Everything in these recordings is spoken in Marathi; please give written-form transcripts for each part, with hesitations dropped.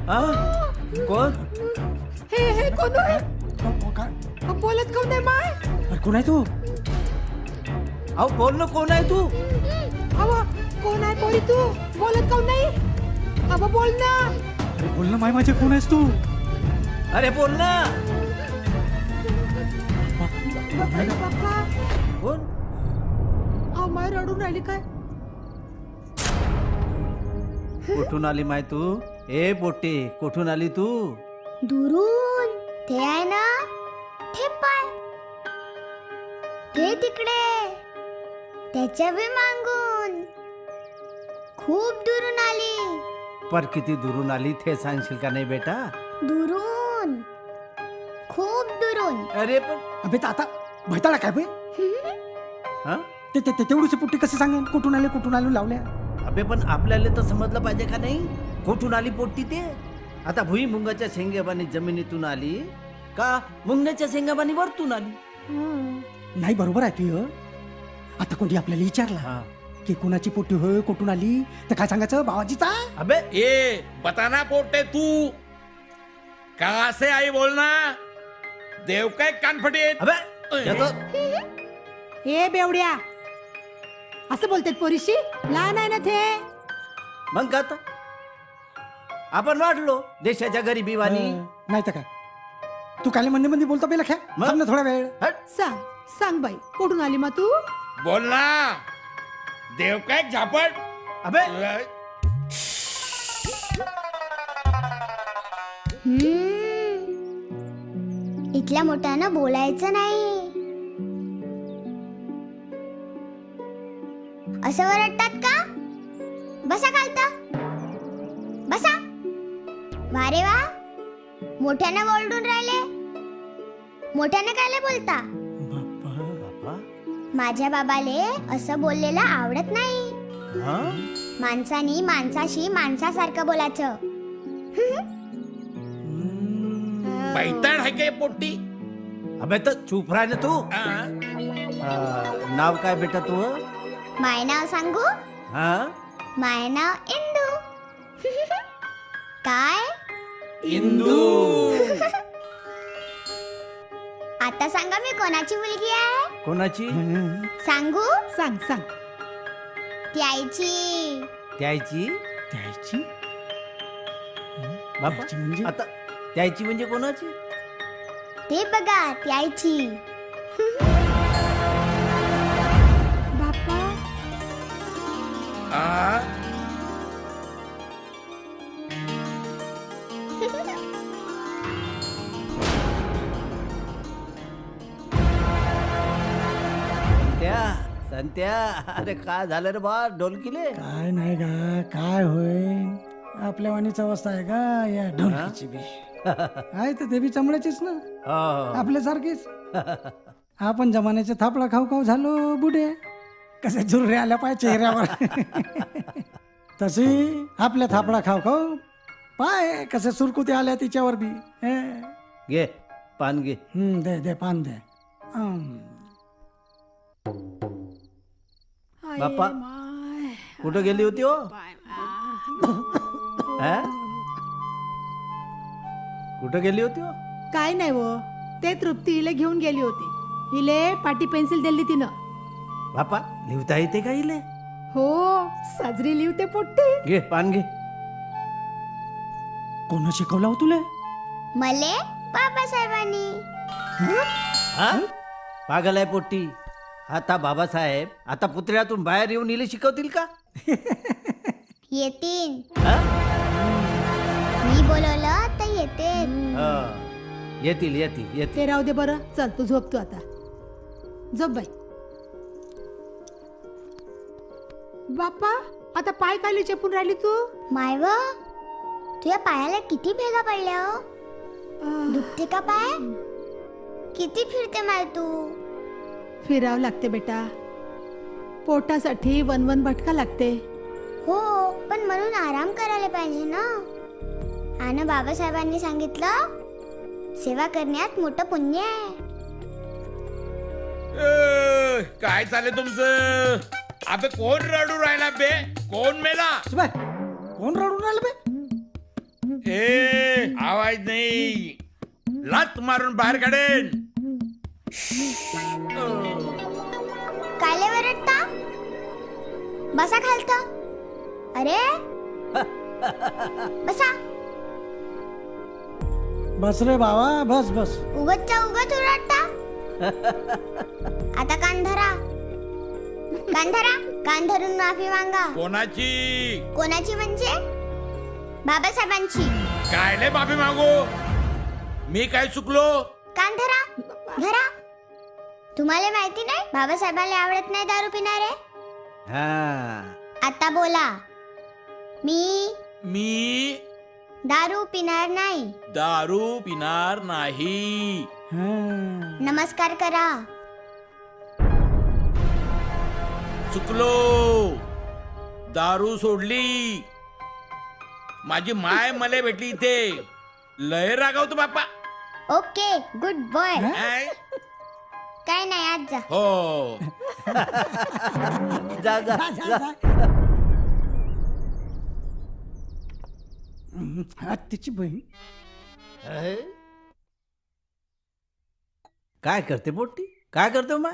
हा? कोण? हे कोण आहे? काय बोलत कोण आहे माय? अरे कोण आहे तू? अहो बोल ना, कोण आहे तू? अव कोण आहे पोरी तू? बोलत कोण नाही? अव बोल ना. अरे बोल ना माय, माझे कोण आहेस तू? अरे बोल ना. बाप्पा कोण? अव माय रडून राहिली काय? कुठून आली माय तू? ए पोटे, कुठून आली तू? दुरून ते आहे ना, ते पाय ते तिकडे, त्याच्या बी मागून खूप दुरून आली. पर किती दुरून आली ते सांगशील का नाही बेटा? दुरून, खूप दुरून. अरे पण अबे आता भैताळा काय बे? हा? तेवढीची पुट्टी कसं सांगेन? कुठून आले लावल्या? अबे पण आपल्याला तर समजलं पाहिजे का नाही? कुठून आली पोट्टी ते? आता भुईमुंगाच्या शेंगाबानी जमिनीतून आली का मुंगण्याच्या शेंगाबानी वरतून आली? नाही बरोबर आहे तू. आता कोणी आपल्याला विचारला हा. की कोणाची पोट्टी होय, कुठून आली, तर काय सांगायचं? बाबाजीचा. अबे ये बताना पोटे तू कहाँ से आई बोलना. देव काय कानफटे. अबे येतो. हे बेवड्या असं बोलतात पोरीशी? लहान आहे ना ते. मग का आता? आपण वाढलो देशाच्या गरिबीवानी. नाही तर काय, तू काले मंदी बोलतो बेला ख्या मग? ना थोडा वेळ. हट. सांग बाई, कुठून आली मग तू? बोलना. देव काय झापड. अबे इथल्या मोठ्यानं बोलायचं नाही. असं वरडतात का? बसा खालता, बसा. वा रे वा, मोठ्यानं ओरडून राहिले. मोठ्यानं कायले बोलता? बापा. माझ्या बाबाले असं बोललेलं आवडत नाही. हा? माणसानी माणसाशी माणसासारखं बोलायचं. बैताड है काय पोट्टी. अबे तर चुप राह ना तू. नाव काय बेटा तू? माय नाव सांगू? हा? माय नाव इंदू. काय? इंदू. आता सांगा मी कोणाची मुलगी आहे? कोणाची? सांगू? सांग. ती आईची. त्याची? त्याची बापा त्याची म्हणजे? आता त्याची म्हणजे कोणाची? ते बघा, ती आईची. बाप्पा आ, संत्या अरे काय झालं रे बा ढोलकीले? काय नाही का, काय होय, आपल्या वाणीची अवस्था आहे का या ढोलकीची बी? आहे तर ते बी चमड्याचीच ना, हो. आपल्यासारखीच. आपण जमान्याचे थापडा खाऊ झालो बुडे, कसे झुर्रे आल्या पाय चेहऱ्यावर. तशी आपल्या थापडा खाऊ पाय कसे सुरकुते आल्या तिच्यावर बी. घे पान घे. दे पान दे. बाप्पा माय. कुठं गेली होती हो? हा? कुठं गेली होती हो? काय नाही वो, ते तृप्ती हिले घेऊन गेली होती. हिले पाटी पेन्सिल दिली तिनं. बापा लिहिता येते का इले? हो, साजरी लिवते पोट्टी. घे पान घे. कोण शिकवला हो तुला? मले बाबासाहेबांनी. हा? पागल आहे पोट्टी. आता बाबासाहेब आता पुतळ्यातून बाहेर येऊन इले शिकवतील का? येतील. हा? मी बोलवलं तर येतील. हा. येतील. ते राहू दे बरं. चल तू झोप, तू आता झोप बाई. बाप्पा आता पाय काली चेपून राहिली तू? मायव, तुझ्या पायाला किती भेगा पडल्या हो? दुखते का पाय? किती फिरते माय तू? फिरावं लागते बेटा, पोटासाठी वन भटका लागते. हो, पण म्हणून आराम करायला पाहिजे ना. आणि बाबासाहेबांनी सांगितलं, सेवा करण्यात मोठं पुण्य आहे. काय चाललंय तुमचं? अबे कोण रडू राहिला बे? कोण मेला? कोण रडून आलं बे? ए आवाज नाही, लात मारून बाहेर काढेन. कायले वरडता? बसा खालत. अरे बसा. बस रे बाबा, बस बस. उगतच्या उगत ओरडता. आता कान धरा. कान धरा. कान धरून माफी मागा. कोणाची? कोणाची म्हणजे बाबासाहेबांची. कायले माफी मागू? मी काय चुकलो? कान धरा. धरा. तुम्हाला माहिती नाही बाबासाहेबांना आवडत नाही दारू पिणारे. हा आता बोला. मी दारू पिणार नाही. दारू पिणार नाही. हा. नमस्कार करा. चुकलो. दारू सोडली. माझी माय मला भेटली इथे. लय रागावतो बाप्पा. Okay good boy. काय? काय नाही आज जा. हो. जा जा जा, जा. जा. हा, तिची बहीण. अहे? काय करते पोट्टी? काय करतो माय?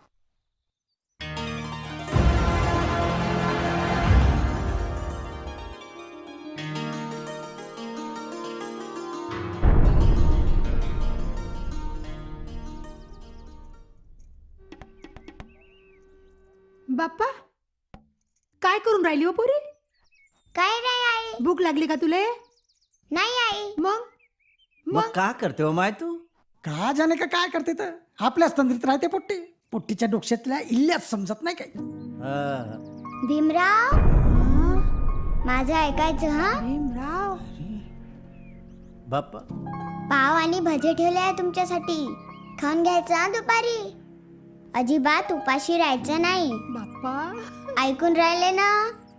बाप्पा काय करून राहिली हो पोरी? काय नाही आई. भूक लागली का तुले? नाही आई. मग मग का करते हो माय तू? का जाणे का काय करते तर आपल्याच तंद्रीत राहते पोट्टी. पोट्टीच्या डोक्यातल्या इल्ल्याच समजत नाही काही. हा. भीमराव माझं ऐकायचं हा. भीमराव बाप्पा पाव आणि भजे ठेवले आहे तुमच्यासाठी. खाऊन घ्यायचं हा दुपारी. अजिबात उपाशी राहायचं नाही. बाप्पा ऐकून राहिले ना.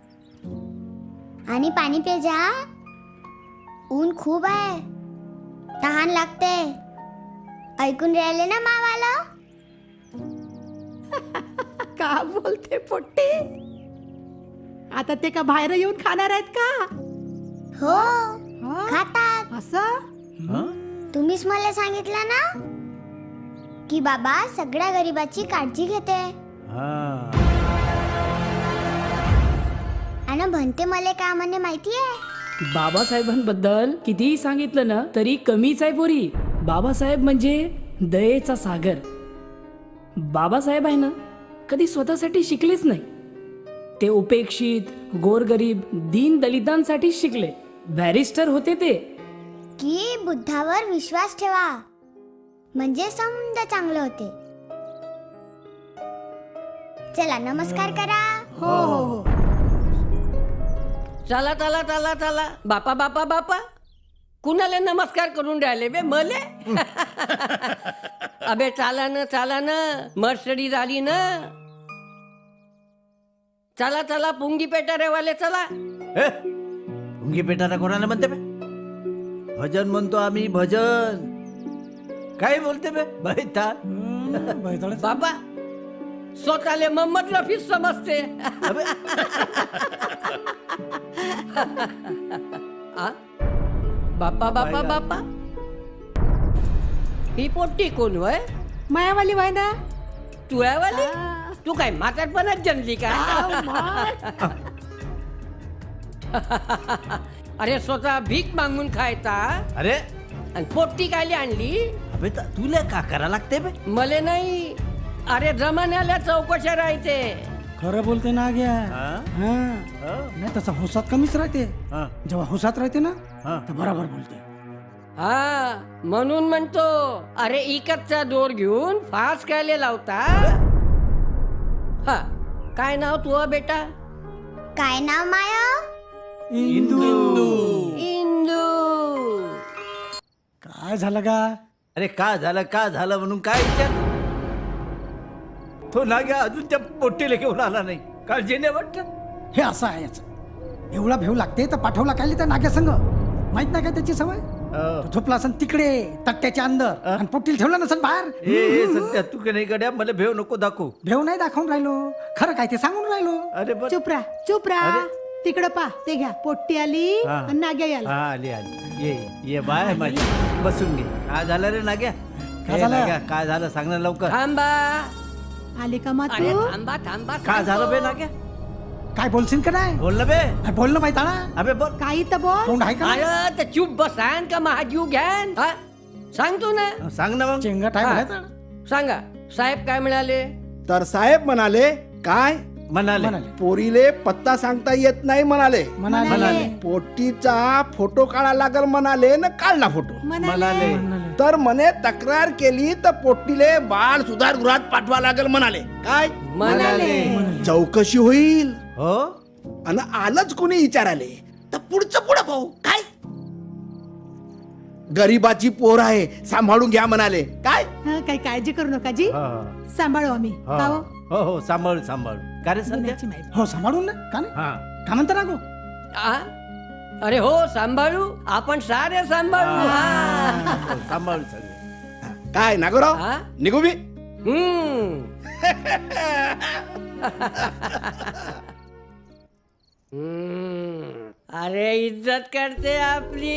आणि पाणी पे जा. ऊन खूप आहे. तहान लागते. ऐकून राहिले ना मावाला. का बोलते पोट्टी? आता ते का बाहेर येऊन खाणार आहेत का? हो हा? खातात. असं हा? तुम्हीच मला सांगितलं ना की बाबा सगळ्या गरिबाची काळजी घेते. हा. आणि म्हणते मला काय म्हणे माहितीये? बाबासाहेबांबद्दल कितीही सांगितलं ना तरी कमीच आहे पोरी. बाबासाहेब म्हणजे दयेचा सागर. बाबासाहेब आहे ना कधी स्वतःसाठी शिकलेच नाही. ते उपेक्षित, गोरगरीब, दीन दलितांसाठी शिकले. बॅरिस्टर होते ते. की बुद्धावर विश्वास ठेवा म्हणजे समजा चांगलं होते. चला नमस्कार करा. हो हो हो. चला चला चला चला. बापा बापा बापा कुणाला नमस्कार करून राहिले बे मले? अबे चाला न मर्सडी झाली ना. चला चला पुंगी पेटा रेवाले चला. ए, भुंगी पेटारा कोणाला म्हणते बे? भजन म्हणतो आम्ही भजन. काय बोलते बे? बैठा. बैताळच. बाबा स्वतःले मोहम्मद रफी समजते. अबे, आ? बापा बापा बापा ही पोट्टी कोण वय? मायावाली वाय ना. तू आहे वाली? तू काय म्हातारपणात जन्मली का? अरे स्वतः भीक मागून खायचा अरे आणि पोट्टी कायली आणली? अबे तुला का करा लागते बे? मले नाही. अरे जमान्याला चौकशा राहते. खरं बोलते ना घ्या. हा? हा. हा? नाही तसं हुसात कमीच राहते. हा? जेव्हा हुसात राहते ना हा? तर बरोबर बोलते. हा म्हणून म्हणतो. अरे इकतचा दोर घेऊन फास कायले लावता? हा काय नाव तू बेटा? काय नाव माया? इंदू. इंदू. काय झालं का? अरे का झालं म्हणून काय विचार? तो नाग्या अजून त्या पोट्टीला घेऊन आला नाही. काळजी नाही वाटत? हे असं आहे याचं. एवढा भेव लागते तर पाठवला काय त्या नाग्या संघ. माहित नाही का त्याची सवय? हो. तो झोपला असन तिकडे तट्ट्याच्या अंदर आणि पोटील ठेवलं नसन बाहेर. ए सध्या तू का नाही गड्या, मला भेव नको दाखवू. भेव नाही दाखवून राहिलो, खरं काय ते सांगून राहिलो. अरे बर चुप राहा. अरे तिकडं पा ते घ्या पोट्टी आली हा. आणि नाग्या आला हा आली आली ये ये बाय माझी बसून घे. काय झालं रे नाग्या? काय ए, झालं? नाग्या, काय झालं सांग ना लवकर. थांबा आली का मा अरे तू थांबा थांबा काय झालं बे नाग्या? काय बोलशील का नाही बोल ना बे. अरे बोल ना बाई ताळा अबे बोल. काही तर बोल तोंड आहे का नाही? अरे तर चुप बसान का महाजीव घ्यान हा? सांगतो ना सांग ना मग. चेंगट आहे हा. बाई ताळा. सांगा साहेब काय म्हणाले तर साहेब म्हणाले काय म्हणाले म्हणाले पोरीले पत्ता सांगता येत नाही म्हणाले म्हणाले पोटीचा फोटो काढा लागल म्हणाले न काढला फोटो म्हणाले म्हणाले तर म्हणे तक्रार केली तर पोटीले बाळ सुधारगृहात पाठवा लागल म्हणाले काय म्हणाले चौकशी होईल हो आणि आलंच कोणी विचाराले तर पुढचं पुढं पाहू काय गरीबाची पोर आहे सांभाळून घ्या म्हणाले काय हा, काही काळजी करू नका जी हो, सांभाळू आम्ही हो. का हो? हो हो सांभाळू सांभाळू का रे संध्या? गुन्ह्याची माहिती. हो सांभाळून ना का नाही हा का म्हणता ना गो आ? अरे हो सांभाळू आपण सारे सांभाळू हा. हो, सांभाळू सगळे. काय नागोराव हा? निघू मी अरे इज्जत करते आपली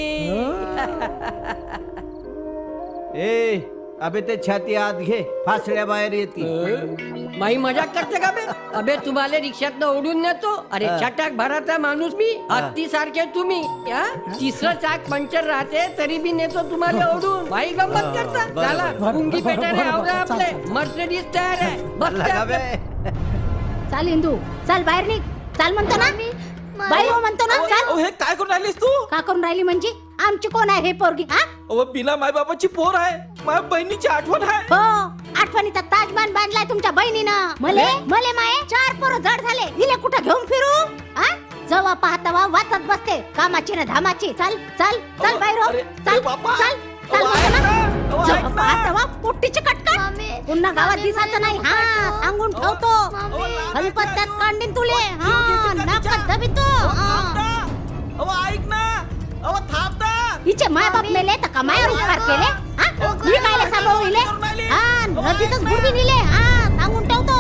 ए अबे ते छाती आत घे फासड्या बाहेर येतील. माई मजाक करते का बे अबे तुम्हाला रिक्षात ओढून नेतो अरे छटाक भराचा माणूस मी हत्ती सारखे तुम्ही हा? तिसरं चाक पंक्चर राहते तरी बी नेतो तुम्हाला ओढून बाई गंमत करता बरं, चला बरं, पुंगी बरं, पेटायला बरं, आवरा बरं, आपले चाल, मर्सिडीज तयार आहे बसते लगा बे. आपले. चाल इंदू चाल बाहेर निघ चाल म्हणतो ना बाई हो म्हणतो ना चाल हे काय करून राहिलीस तू का करून राहिली म्हणजे आमची कोण आहे हे पोरगी हा अहो बिना माय बाबाची पोर आहे माझ्या बहिणीची आठवण आहे हो आठवणीचा ताजमान बांधलाय तुमच्या बहिणीनं मले मले माये 4 पोरं जड झाले इले कुठं घेऊन फिरू हा जवा पाहता वा वाचत बसते कामाची ना धामाची चाल चाल चाल बाहेर हो अरे, चाल अरे बापा. चाल चाल अहो, म्हणतो ऐक ना. ना. अहो, जवा ऐक ना. पाहता वा पोट्टीची कटकट पुन्हा गावात दिसायचं नाही हा सांगून ठेवतो हलपत्त्यात कांडीन तुले हा नाकात दबितो हा ऐक ना अहो थांब ना हिचे माय बाप मेले तर कमायावर उपकार केले हा मी कायले सांभाळू इले हा नदीतच बुडवी नेले हा सांगून ठेवतो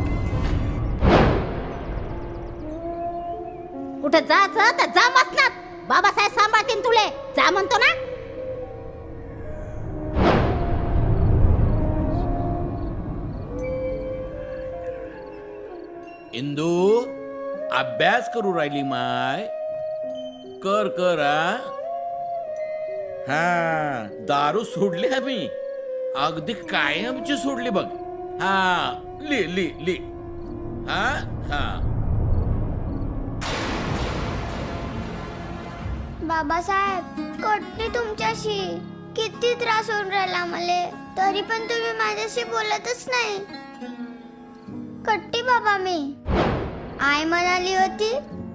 कुठे जायचं तर जा मसनात बाबासाहेब सांभाळतील तुले जा म्हणतो ना इंदू अभ्यास करू राहिली माय कर कर हा दारू सोडली आम्ही अगदी कायमची सोडली बघ हा ली हा हा बाबासाहेब कटली तुमच्याशी किती त्रास होऊन राहिला मला तरी पण तुम्ही माझ्याशी बोलतच नाही कट्टी बाबा मी आई म्हणाली होती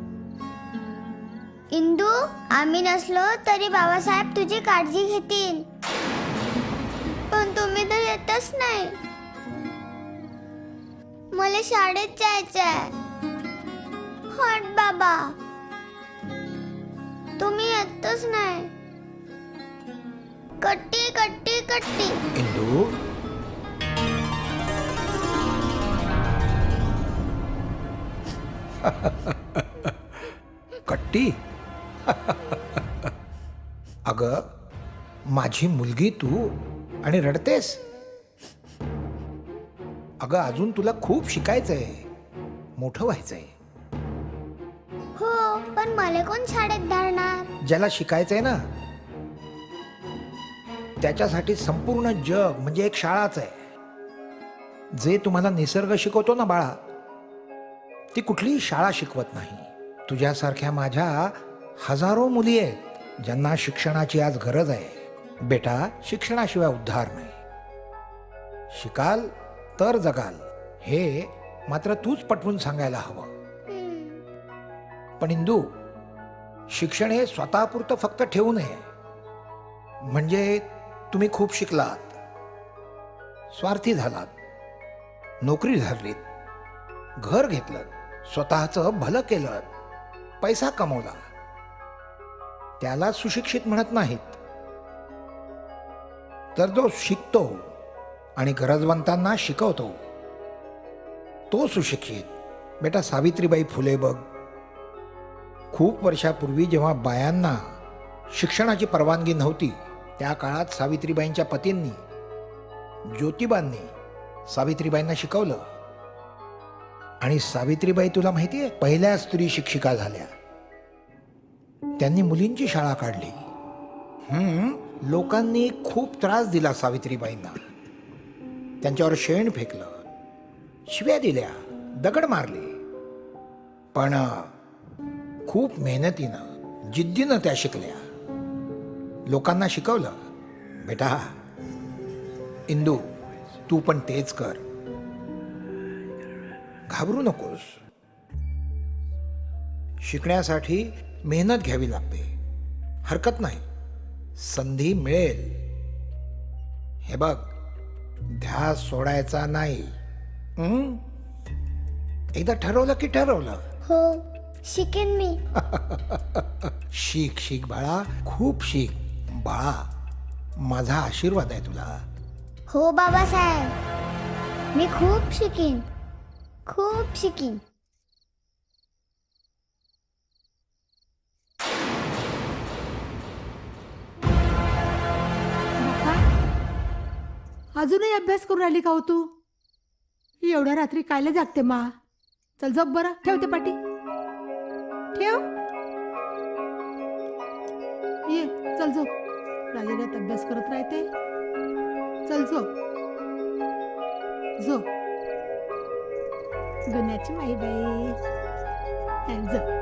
इंदू आम्ही नसलो तरी बाबासाहेब तुझी काळजी घेतील पण तुम्ही तर येतच नाही मला शाळेत जायचंय हट बाबा तुम्ही येतच नाही कट्टी कट्टी कट्टी इंदू कट्टी अगं माझी मुलगी तू आणि रडतेस अगं अजून तुला खूप शिकायचंय मोठं व्हायचंय हो पण मला कोण शाळेत धाडणार ज्याला शिकायचंय ना त्याच्यासाठी संपूर्ण जग म्हणजे एक शाळाच आहे जे तुम्हाला निसर्ग शिकवतो ना बाळा ती कुठलीही शाळा शिकवत नाही तुझ्यासारख्या माझ्या हजारो मुली आहेत ज्यांना शिक्षणाची आज गरज आहे बेटा शिक्षणाशिवाय उद्धार नाही शिकाल तर जगाल हे मात्र तूच पटवून सांगायला हवं पण इंदू शिक्षण हे स्वतःपुरतं फक्त ठेवू नये म्हणजे तुम्ही खूप शिकलात स्वार्थी झालात नोकरी धरलीत घर घेतलं स्वतःचं भलं केलं पैसा कमवला त्याला सुशिक्षित म्हणत नाहीत तर जो शिकतो आणि गरजवंतांना शिकवतो तो सुशिक्षित बेटा सावित्रीबाई फुले बघ खूप वर्षापूर्वी जेव्हा बायांना शिक्षणाची परवानगी नव्हती त्या काळात सावित्रीबाईंच्या पतींनी ज्योतिबांनी सावित्रीबाईंना शिकवलं. आणि सावित्रीबाई तुला माहिती आहे पहिल्या स्त्री शिक्षिका झाल्या. त्यांनी मुलींची शाळा काढली. लोकांनी खूप त्रास दिला सावित्रीबाईंना. त्यांच्यावर शेण फेकलं, शिव्या दिल्या, दगड मारले. पण खूप मेहनतीनं जिद्दीनं त्या शिकल्या. लोकांना शिकवलं, बेटा इंदू तू पण तेच कर, घाबरू नकोस. शिकण्यासाठी मेहनत घ्यावी लागते, हरकत नाही, संधी मिळेल. हे बघ, ध्यास सोडायचा नाही. एकदा ठरवलं की ठरवलं. हो शिकेन मी. शिक शिक बाळा, खूप शिक बाळा. माझा आशीर्वाद आहे तुला. हो बाबासाहेब, मी खूप शिकीन, खूप शिकीन. बाप्पा, अजूनही अभ्यास करून राहिली का हो तू? एवढ्या रात्री कायला जागते मा? चल झोप बरं, ठेवते पाटी, ठेव. ये चल झोप, राजेरात अभ्यास करत राहते. चल झोप झोप. गुन्ह्याची माई बाई झोप.